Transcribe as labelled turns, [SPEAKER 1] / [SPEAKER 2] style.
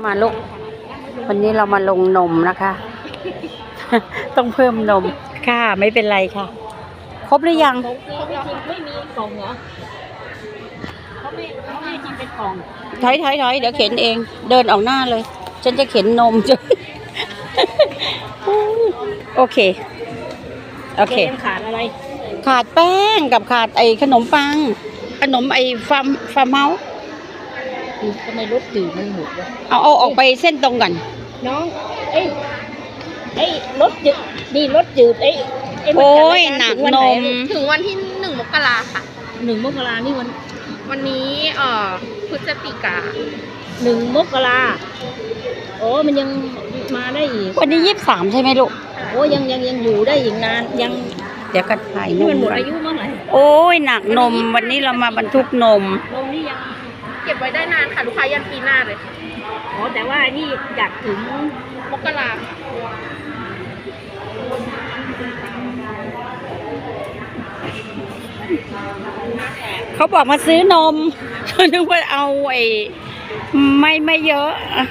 [SPEAKER 1] มาลูกวันนี้เรามาลงนมนะคะ ต้องเพิ่มนมค่ะไม่เป็นไรค่ะ ครบหรือยัง
[SPEAKER 2] ไม่มีกล่องเหรอเขาไม่ทำเป็นกล่อง
[SPEAKER 1] ถอยเดี๋ยวเข็นเองเดินออกหน้าเลย ฉันจะเข็นนม จะโอเค
[SPEAKER 2] ขาดอะไร
[SPEAKER 1] ขาดแป้งกับขาดไอ้ขนมปังขนมไอ้ฟาร์มเฮาส์
[SPEAKER 2] ทำไมรถจืดมันหมดวะ
[SPEAKER 1] เอาออกไปเส้นตรงกัน
[SPEAKER 2] น้องไอ้รถจืดนี่รถจืด
[SPEAKER 1] โอ้ยหนักนม
[SPEAKER 3] ถึงวันที่1 มกราค่ะ
[SPEAKER 2] 1 มกรานี่
[SPEAKER 3] วันนี้พฤศจิกา
[SPEAKER 2] 1 มกราโอ้มันยังมาได้อีก
[SPEAKER 1] วันนี้23ใช่ไหมลูก
[SPEAKER 2] โอ้ยังอยู่ได้อีกนานยัง
[SPEAKER 1] เดี๋ยวกันถ่ายนม
[SPEAKER 2] มันหมดอายุเมื่อไหร่
[SPEAKER 1] โอ้ยหนักนมวันนี้เรามาบรรทุกนม
[SPEAKER 2] นี่ยัง
[SPEAKER 3] เก็บไว้ได้นานค่ะลูกค้ายันปีหน้าเลย
[SPEAKER 2] อ๋อแต่ว่านี่อยากถึง
[SPEAKER 3] มกรา
[SPEAKER 1] เขาบอกมาซื้อนม นึกว่าเอาไอ้ไม่เยอะ